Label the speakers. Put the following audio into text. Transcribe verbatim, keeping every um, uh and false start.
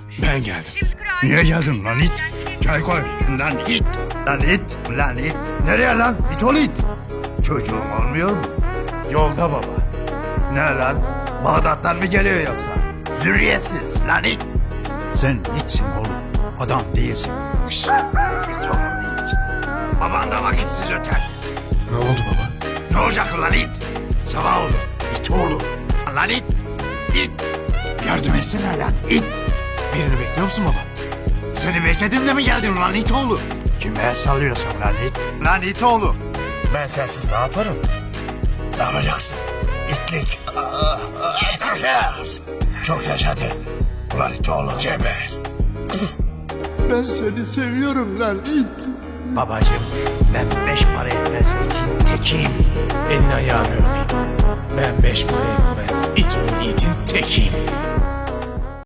Speaker 1: Ben geldim.
Speaker 2: Niye geldin lan it? Çay koy. Lan it. Lan it. Lan it. Nereye lan? İt ol it. Çocuğum olmuyor mu?
Speaker 1: Yolda baba.
Speaker 2: Ne lan? Bağdat'tan mı geliyor yoksa? Zürriyetsiz lan it. Sen itsin oğlum. Adam değilsin. İt oğlum it. Baban da vakitsiz öter.
Speaker 1: Ne oldu baba?
Speaker 2: Ne olacak lan it? Sabah oğlu. İt oğlu. Lan it. İt. Yardım etsene lan it.
Speaker 1: Birini bekliyor musun baba?
Speaker 2: Seni bekledim de mi geldin lan it oğlu? Kime sallıyorsun lan it? Lan it oğlu.
Speaker 1: Ben sensiz ne yaparım?
Speaker 2: Ne yapacaksın? İtlik. Yeter. Çok yaşadı. Ulan it oğlu. Geber. Ben seni seviyorum lan it. Babacığım ben beş para etmez itin tekiyim.
Speaker 1: Elini ayağını öpeyim. Ben beş para etmez it oğlu itin tekiyim.